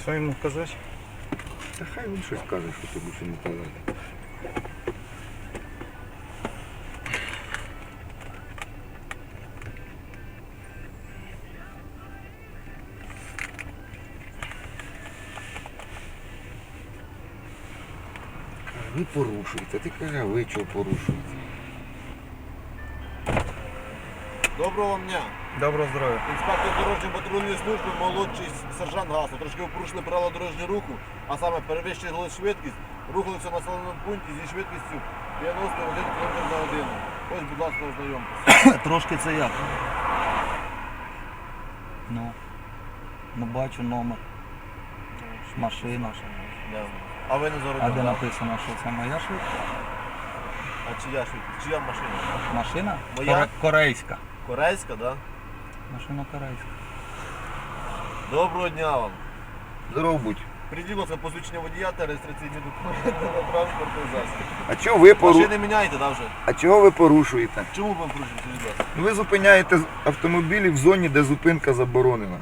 Що йому казати? Та хай він щось каже, що ти більше не казати. Ви порушуєте, ти каже, а ви чого порушуєте? Доброго вам дня. Доброго здоров'я. Інспектор дорожньої патрульної служби, молодший сержант Гасло. Трошки ви порушили правила дорожнього руху, а саме перевищили швидкість, рухалися в населеному пункті зі швидкістю 91 км на годину. Ось, будь ласка, ознайомтеся. Трошки це як? Ну бачу номер. Машина. Да. А ви не А заробили? де написано, що це моя швидкість? А чия швидкість? Чия машина? Машина? Моя? Корейська. Корейська, так? Да? Машина корейська. Доброго дня вам. Здоров будь. Придіть, будь ласка, посвідчення водія та реєстраційні документи на транспортний засіб. А чого ви Машини міняєте, так, вже? А чого ви порушуєте? Чому ви порушуєте, будь ласка? Ну, ви зупиняєте автомобілі в зоні, де зупинка заборонена.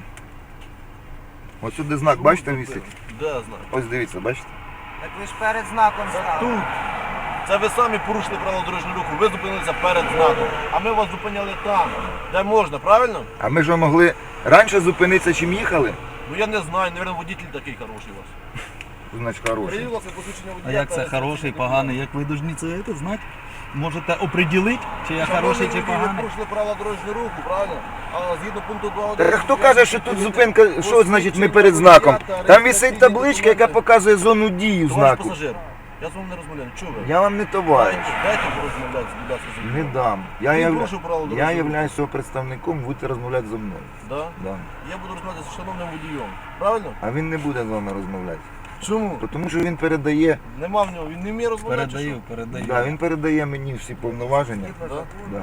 Ось сюди знак, Чому бачите, ви висить? Де знак? Ось дивіться, бачите? Так ви ж перед знаком стали. Тут. Це ви самі порушили правила дорожнього руху, ви зупинилися перед знаком, а ми вас зупиняли там, де можна, правильно? А ми ж могли раніше зупинитися, чим їхали? Ну я не знаю, мабуть, водитель такий хороший у вас. Значить, хороший. Придіть, будь ласка, посвідчення водія. А як та це реєстраційні хороший, документи. поганий? Як ви повинні це знати? Можете оприділити, чи я Шановний хороший, чи водій, Ви поганий? порушили правила дорожнього руху, правильно? А згідно пункту 2.1... Та хто каже, що тут зупинка, що значить ми перед знаком? Там висить табличка, яка показує зону дії Товариш знаку. пасажир, я з вами не розмовляю, чого ви? Я вам не товариш. Дайте порозмовляти, будь ласка, зі мною. Не дам. Я, Він порушив правила дорожнього руху. являюсь його представником, будете розмовляти зі мною. Да? Да. Я буду розмовляти з шановним водієм, правильно? А він не буде з вами розмовляти. Чому? Тому що він передає, Нема в нього, він не вміє розмовляти. чи Передаю, передаю. да, він передає мені всі повноваження. що? Да? Да.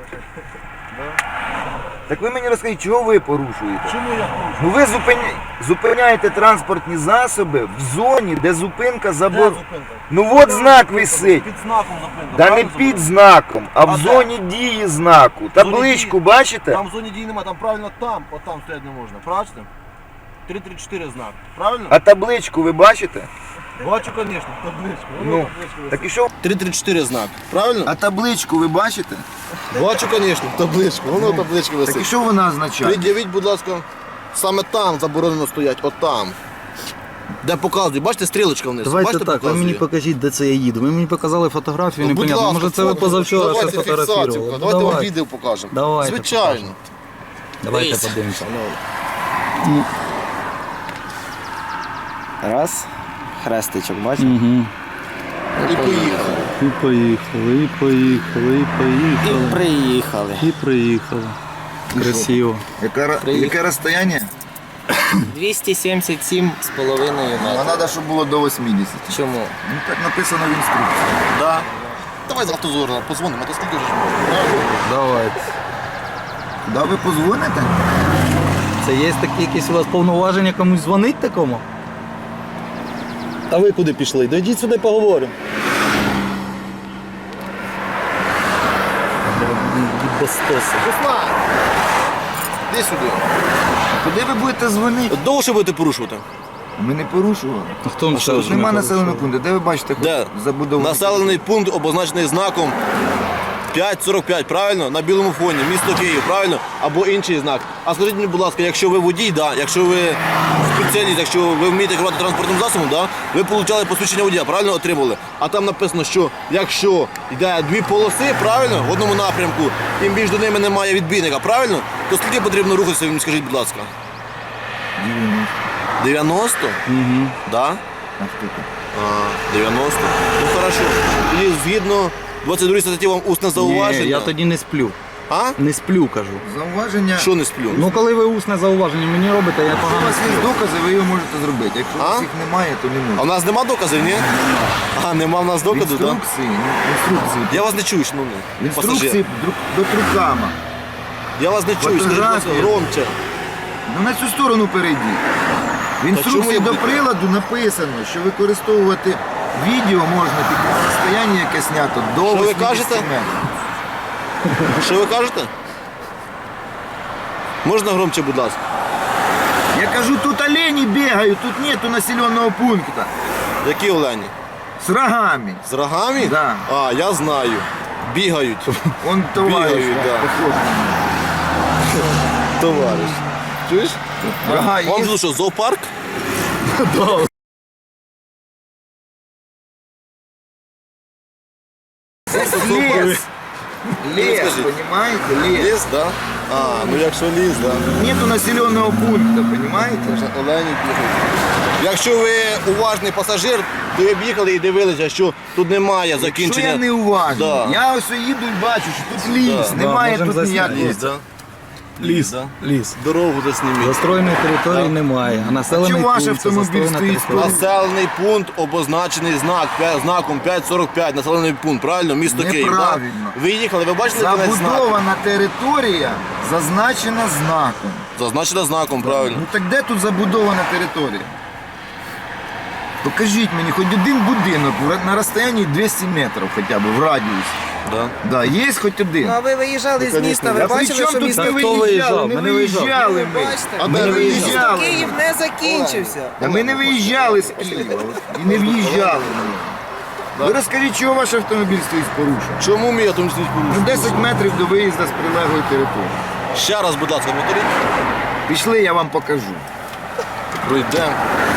Да? Так ви мені розкажіть, чого ви порушуєте? Чому я порушую? Ну ви зупиняєте транспортні засоби в зоні, де зупинка Де заборонена. зупинка? Ну от знак висить. Під знаком зупинка. Да не правильно під зупинка? знаком, а в А де? зоні дії знаку. Табличку дії? бачите? Там в зоні дії немає, там правильно там, отам стояти не можна. Бачите? 334 знак. Правильно? А табличку ви бачите? Бачу, звісно, табличку. Ну, так і що? 334 знак. Правильно? А табличку ви бачите? Бачу, звісно, табличку. Воно табличка Так і що вона означає? Пред'явіть, будь ласка, саме там заборонено стоять, отам. Де показує, бачите, стрілочка вниз. Давайте бачите, так, ви показує? мені покажіть, де це я їду. Ви мені показали фотографію, Ну, будь непонятно. ласка, Може це ви фото, позавчора ще давайте фотографували. фіксацію, Ну, давайте вам давайте. відео покажемо. Давайте Звичайно. покажемо. Давайте Дивіться. подивимося. Раз. Хрестичок, бачите? Угу. І поїхали. І поїхали, і поїхали, і поїхали. І приїхали. І приїхали. Красиво. Яке розстояння? 277,5 А метрів. треба, щоб було до 80. Чому? Ну так написано в інструкції. Да. Давай з автозора позвонимо, а то скільки ж можна. Давайте. Да ви позвоните? Це є такі якісь у вас повноваження комусь дзвонить такому? А ви куди пішли? Дойдіть сюди, поговоримо. Безстоси. Руслан! Іди сюди. Куди ви будете дзвонити? Довше будете порушувати? Ми не порушували. А хто вам що, сказав, Тут що нема ми населеного порушили? пункту. Де ви бачите Де? забудову? Населений пункт обозначений знаком 545, правильно? На білому фоні, місто Київ, правильно? Або інший знак. А скажіть мені, будь ласка, якщо ви водій, да, якщо ви спеціаліст, якщо ви вмієте керувати транспортним засобом, да, ви отримали посвідчення водія, правильно отримали? А там написано, що якщо йде дві полоси, правильно, в одному напрямку, і між ними немає відбійника, правильно? То скільки потрібно рухатися, ви мені скажіть, будь ласка? 90? Угу. Да? А скільки? 90. Ну хорошо. І згідно 22 статті вам усне зауваження. Ні, я тоді не сплю. А? Не сплю, кажу. Зауваження. Що не сплю? Ну коли ви усне зауваження мені робите, я Якщо у погано вас є сплю. докази, ви його можете зробити. Якщо у вас А? їх немає, то не А в можете. нас нема доказів, ні? А, нема в нас доказів, так? Інструкції. Я вас не чую, шановний Інструкції пасажир. до трукама. Я вас не чую, скажіть, будь ласка, Фотографії. громче. Ну на цю сторону перейдіть. В чому інструкції я до буду- приладу написано, що використовувати відео можна тільки на розстоянні, яке знято до Що ви 80 кажете? метрів. Що ви кажете? Можна громче, будь ласка? Я кажу, тут олені бігають, тут нету населеного пункту. Які олені? З рогами. З рогами? Да. А, я знаю. Бігають. Он товариш. Бігають, да. похож. Товариш. Чуєш? Рога Вам є. тут що, зоопарк? Лес. Лес, Скажи. понимаете? Лес. Ліс, да? А, ну якщо ліс, да. Нету населеного пункту, понимаете? Олені бігають. Якщо ви уважний пасажир, то ви б їхали і дивилися, що тут немає Що закінчення. я не уважний? Да. Я ось їду і бачу, що тут ліс, Да. немає можемо тут засняти. ніякого. Ліс, да? Ліс. Да? Ліс. Дорогу засніміть. Застроєної території немає, а населений чому ваш пункт це автомобіль застроєна стоїть територія. Населений пункт обозначений знаком 545, населений пункт, правильно? Місто Київ. Неправильно. Так? Ви їхали, ви бачили кінець знаку? Забудована територія зазначена знаком. Зазначена знаком, правильно. Ну так де тут забудована територія? Покажіть мені хоч один будинок на розстоянні 200 метрів хоча б в радіусі. Да. Да, є хоч один. Ну а ви виїжджали з міста, ви А при бачили, чому що тут місто не Хто виїжджали? виїжджав? Не Ми не виїжджали. виїжджали ми. Бачите? А Ми де не ви виїжджали? виїжджали. Київ не закінчився. Та ми не виїжджали з Києва і не в'їжджали. Ви розкажіть, чого ваш автомобіль стоїть з порушенням? Чому мій автомобіль Ну, порушений? 10 метрів до виїзду з прилеглої території. Ще раз, будь ласка, повторіть. Пішли, я вам покажу. Пройдемо.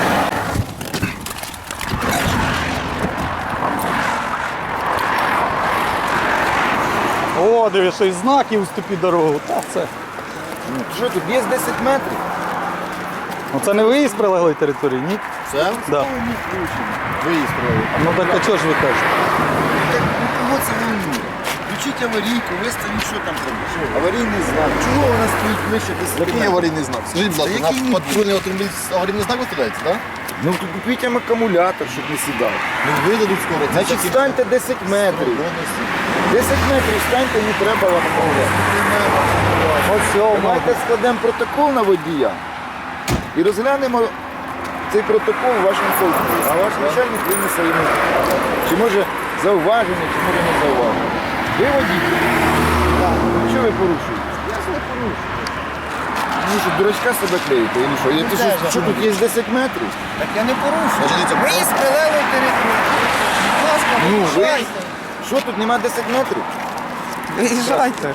О, дивись, і знаки уступі дорогу. Та це. Ну, що тут, є 10 метрів? Ну це не виїзд з прилеглої території, ні? Це? Да. Виїзд правильно. Ну так а чого ж ви кажете? Кого це волнує? Включіть аварійку, виставіть, що там робиш. Аварійний знак. Чого вона стоїть ближче 10 Який метрів? аварійний знак? Скажіть, будь ласка, Та який на ні? патрульний автомобіль аварійний знак виставляється, так? Ну тут купіть їм акумулятор, щоб не сідав. Ну видадуть скоро. Це Значить, такі- станьте 10 метрів. 10 метрів станьте, не треба вам помогти. Ось Давайте складемо протокол на водія і розглянемо цей протокол у вашому колективі. А ваш начальник винесе йому. Чи може зауваження, чи може не зауваження. Ви водій? Так. Що ви порушуєте? Я ж не порушую. Ну що, дурачка себе клеїте? Или що? Ти що тут є 10 метрів? Так я не порушую. Значить, дивіться, Виїзд з прилеглої території. Будь ласка, Ну, виїжджайте. Що тут нема 10 метрів? Виїжджайте.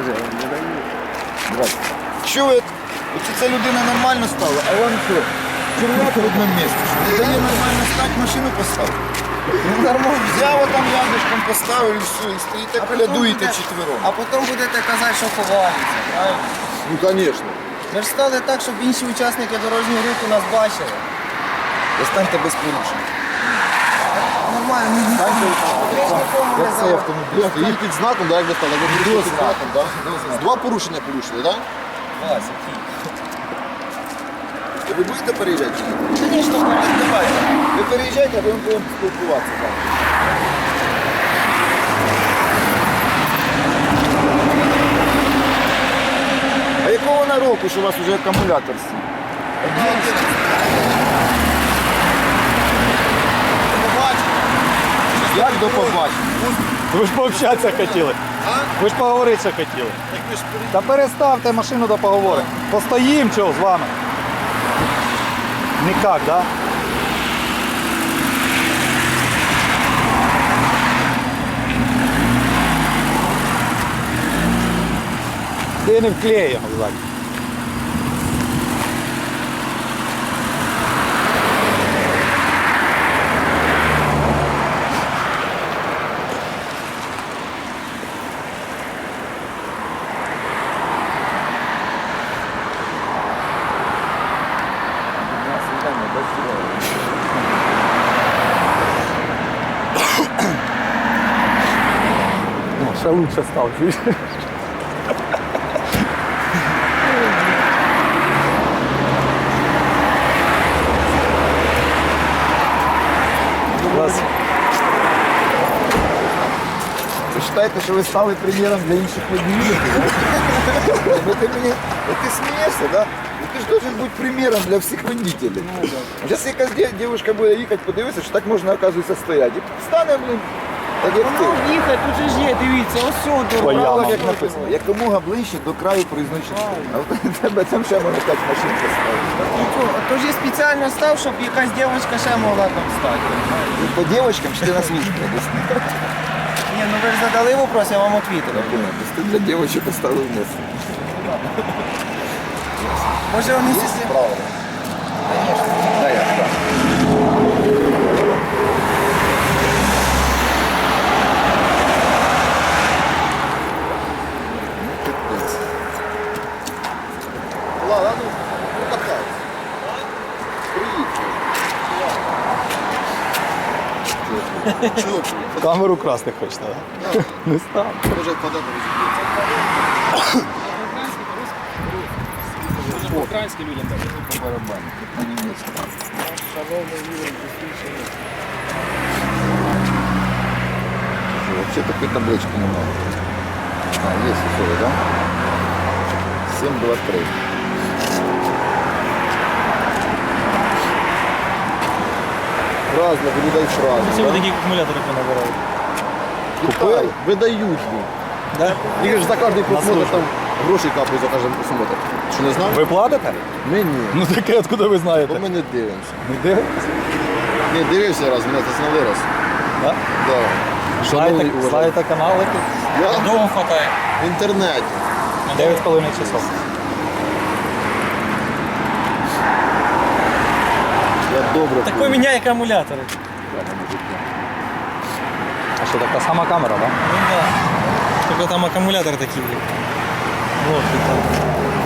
Що ви? Оце ця людина нормально стала, а вам що? Черв'як в одному місці. Що не дає нормально стати, машину поставити. Ну, нормально. Взяв там рядышком поставив і все, і стоїте, колядуєте четвером. А потім будете казати, що ховаєтеся, правильно? Ну, звісно. Ми ж стали так, щоб інші учасники дорожнього руху нас бачили. Достаньте без порушень. Нормально, ми Станьте, нікому не як цей завадимо. автомобіль Стоїть стоїть. під знаком, так, як ви стали? Ви порушили під знаком, так? Два порушення порушили, так? Вася, Київ. Ви будете переїжджати? чи ні? Звісно, Давайте. Ви переїжджайте, а ми будемо спілкуватися. так. А якого вона року, що у вас вже акумулятор сів? Як до побачення? Ви ж пообщатися хотіли. Ви ж поговорити ще хотіли. Та переставте машину до поговори. Постоїм чого з вами. Никак, да? Ти не вклеїмо ззаді. Ще лучше став, чуєш? Вас Ви вважаєте, що ви стали прем'єром для інших водіїв? Ти смієшся, да? Ти ж должен бути примером для всіх водителів. Зараз якась дівчинка буде їхати, подивитися, що так можна, оказується, стояти. І стане, блин, Так як ти. Воно їхати, тут же ж є, дивіться, ось сюди. По ямам. Як написано, якомога ближче до краю проїзної частини. А в тебе там ще можна 5 машин поставити. Тож я спеціально став, щоб якась дівчинка ще могла там стати. По дівчаткам чи ти на службі? Ні, ну ви ж задали вопрос, я вам відповідав. Ти для дівчаток поставив вниз. Може вони сісти? Правильно. Да, я, так. Ладно, ну, катайся. Приїхали. Чого? Камеру красти хочете, так? Не став. Може, квадрат розіб'ється. Українським людям так. Барабан. На німецькому. Вообще такой таблички немає. А, є условия, да? 723. Разно, людей сразу. Всі ви такі акумулятори понабирали. Купили? Видають їм. Да? Їх ж за кожний просмотр там гроші капають за кожен просмотр. Що не знав? Ви платите? Ми ні. Ну таке, откуда ви Бо знаєте? ми не дивимося. Не дивитесь? Не дивився раз, мене це зняли раз. Да? Да. Шановний Знаєте, уважаємий. знаєте канали тут? Я Довго хватає. в інтернеті. 9,5 часов. Я добре. Так помню. поміняй акумулятори. А що, така сама камера, так? Ну да. Тільки там акумулятор такий був. Вот і там.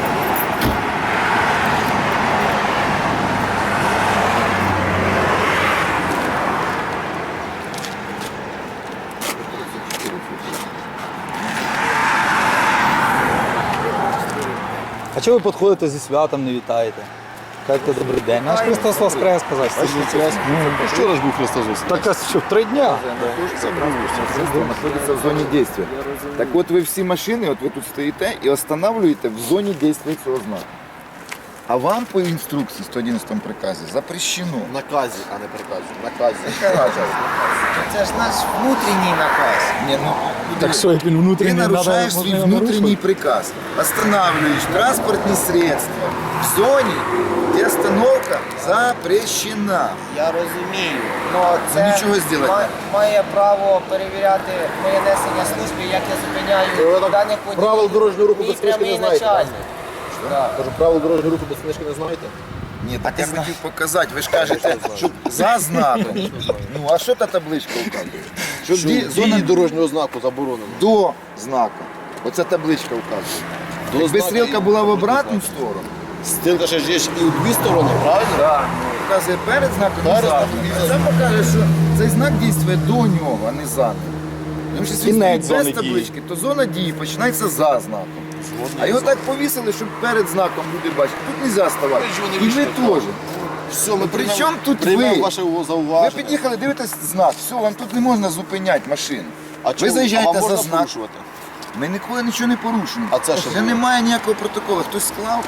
А чого ви підходите зі святом, не вітаєте? Кажете, добрий день. Наш Христос Воскрес, сказати. Вчора ж був Христос Воскрес. Так а що, 3 дня? Находится в зоне действия. Так вот вы все машины, вот вы тут стоите и останавливаете в зоне действия цього знаку. А вам по інструкції 111 приказі запрещено. Наказі, а не приказі. Наказі. Це ж наш внутрішній наказ. Не, ну, Так що, як він ты внутрішній, нарушаешь свой внутренний приказ. Останавливаешь транспортные средства в зоне, где остановка запрещена. Я розумію. Ну, це Нічого зробити. має право перевіряти моє несення служби, як я зупиняю так даних водіїв. правил дорожнього руху Мій без книжки прямий не знаєте, начальник. Да. Кажу, правил дорожнього руху без книжки не знаєте? Ні, так я хотів показати. Ви ж кажете, що за знаком. Ну, а що та табличка вказує? Що Що зона дії дорожнього знаку заборонено. до знака. Оця табличка вказує. Якби знака стрілка і була в обратну сторону, Стрілка ще ж є і у дві сторони, правильно? так, показує перед знаком і Перед за. знаком і А за. це покаже, що цей знак дійствує до нього, а не за ним. Тому що якщо він Кінець стоїть без зони дії. таблички, то зона дії починається за знаком. А його так повісили, щоб перед знаком люди бачать. Тут не можна ставати. ж вони І ви вийшли, теж. Все, ми При чому тут приймемо ви? ваше Ви зауваження. під'їхали, дивитесь знак, все, вам тут не можна зупиняти машину. А Ви чому? заїжджаєте А вам за можна знак. порушувати? Ми ніколи нічого не порушуємо. А це що Вже було? немає ніякого протоколу. Хтось склав.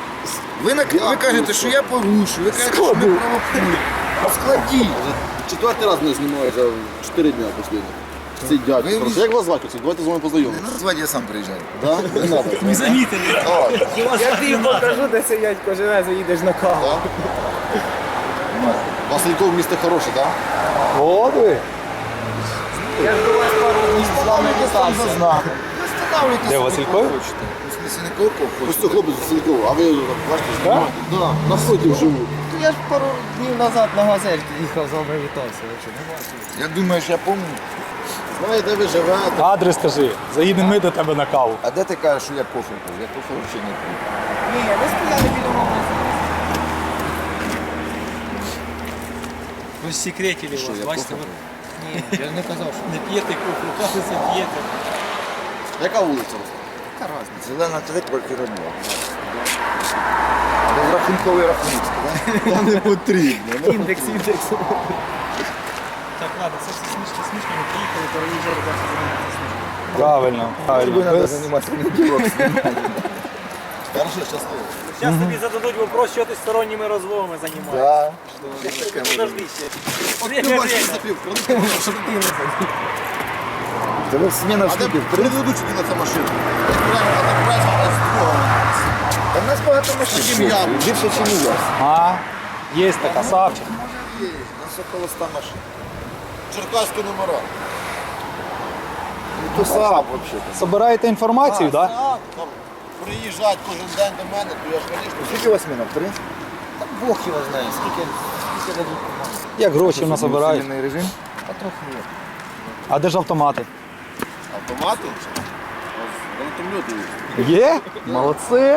Ви кажете, що я порушую, ви кажете, що ми провокуємо. А складіть. Четвертий раз мене знімають за 4 дня останні. Ці дядьки. Ви- Просто як вас звати? Давайте з вами Не познайомимося. назвати, я сам приїжджаю. Да? Не треба. Не замітили. Я тобі покажу, де сидять кожен раз, заїдеш на каву. Васильков місто хороше, так? От ви. Я ж до вас пару днів з вами Там вітався. за знаком. Ви встановлюєте Де, собі, Васильков? кого хочете. В смысле, не кого Ось хочете. це хлопець Васильков, а ви бачите, знімаєте? Да, напротив живу. Я ж пару днів назад на газельці їхав, з вами вітався. Ви що, не бачили? Я думаю, що я пам'ятаю. Знає, де ви живете. Адрес скажи. Заїдемо ми до тебе на каву. А де ти кажеш, що я кофе пив? Я кофе взагалі не пив. Ні, ви стояли біля мого. Ви ж секретили Що, вас, я бачите, кофе ви пив? Ні, я ж не казав, що не п'єте кофе, кажеться, п'єте. Яка вулиця? Яка разниця? Зелена 3, квартира 2. Розрахунковий рахунок, так? Та не потрібно. індекс. Так, ладно, це все смішно, ми приїхали, переїжджали, бачите, займатися службою. Правильно. Тобі Правильно. треба Без- займатися неділок. Хорошо, щасливо. Зараз тобі зададуть вопрос, що ти сторонніми розмовами займаєшся. Так. Подожди ще. Ти бачиш, запів, Це ви зміна в А де скільки? В 30? предведуть на цю машину? А з другого. Та в нас багато машин. Таким я. Більше, ніж у вас. А, є така, Савчик. Є, у нас около 100 машин. Черкаські номера. Ну, то СААП взагалі. Собираєте інформацію, так? Да? Там приїжджають кожен день до мене, то я ж, звісно, Скільки у вас зміна? В 3? Так Бог його знає, скільки дадуть команди. Як гроші в нас собирають? Усилений режим. Та трохи є. А де ж автомати? автомати. Гранатомети є. Є? Молодці.